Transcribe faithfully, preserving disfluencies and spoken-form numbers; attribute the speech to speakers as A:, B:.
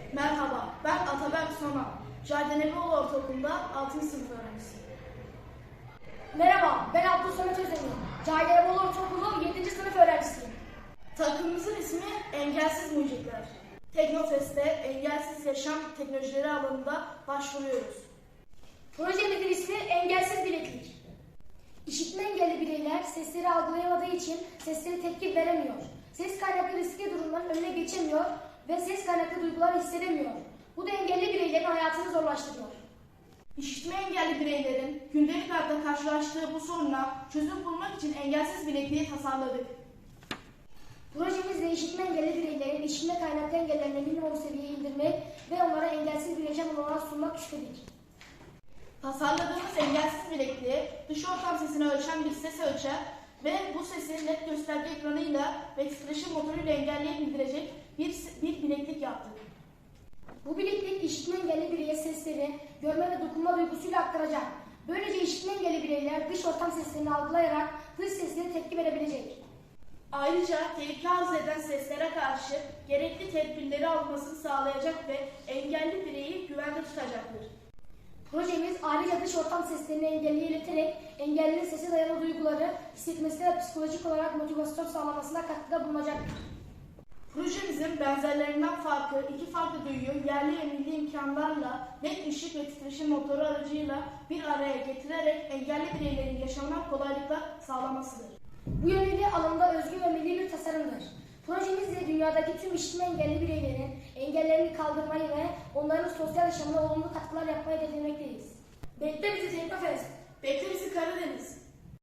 A: Merhaba, ben Ataberk Sona. Jardinevoğlu Ortaokulu'nda altıncı sınıf öğrencisiyim.
B: Merhaba, ben Abdülhamit Samet Özdemir. Cahiliye Ortaokulu yedinci sınıf öğrencisiyim.
A: Takımımızın ismi Engelsiz Mucitler. Teknofest'te engelsiz yaşam teknolojileri alanında başvuruyoruz.
B: Projemizin ismi Engelsiz Bileklik. İşitme engelli bireyler sesleri algılayamadığı için seslere tepki veremiyor. Ses kaynaklı riskli durumların önüne geçemiyor ve ses kaynaklı duyguları hissedemiyor. Bu da engelli bireylerin hayatını zorlaştırıyor.
A: İşitme engelli bireylerin gündelik hayatta karşılaştığı bu soruna çözüm bulmak için engelsiz bilekliği tasarladık.
B: Projemizle işitme engelli bireylerin işitme kaynaklı engellerini minimum seviyeye indirmek ve onlara engelsiz bir yaşam olanağı sunmak istedik.
A: Tasarladığımız engelsiz bilekliği dış ortam sesini ölçen bir ses ölçer ve bu sesi net gösterge ekranıyla ve titreşim motoruyla engelliye bildirecek bir, bir bileklik yaptık.
B: Bu bileklik işitme engelli bireye sesleri görme ve dokunma duygusuyla aktaracak. Böylece işitme engelli bireyler dış ortam seslerini algılayarak dış seslere tepki verebilecek.
A: Ayrıca tehlike arz eden seslere karşı gerekli tedbirleri almasını sağlayacak ve engelli bireyi güvende tutacaktır.
B: Projemiz ayrıca dış ortam seslerini engelliye ileterek engellinin sese dayalı duyguları hissetmesine ve psikolojik olarak motivasyon sağlamasına katkıda bulunacaktır.
A: Projemizin benzerlerinden farkı iki farklı duyuyu yerli ve milli imkanlarla net ışık ve titreşim motoru aracıyla bir araya getirerek engelli bireylerin yaşamına kolaylıklar sağlamasıdır.
B: Bu yönüyle alanda özgün ve milli bir tasarımdır. Projemizle dünyadaki tüm işitme engelli bireylerin engellerini kaldırmayı ve onların sosyal yaşamına olumlu katkılar yapmayı hedeflemekteyiz. Bekle bizi Teknofest!
A: Bekle bizi Karadeniz!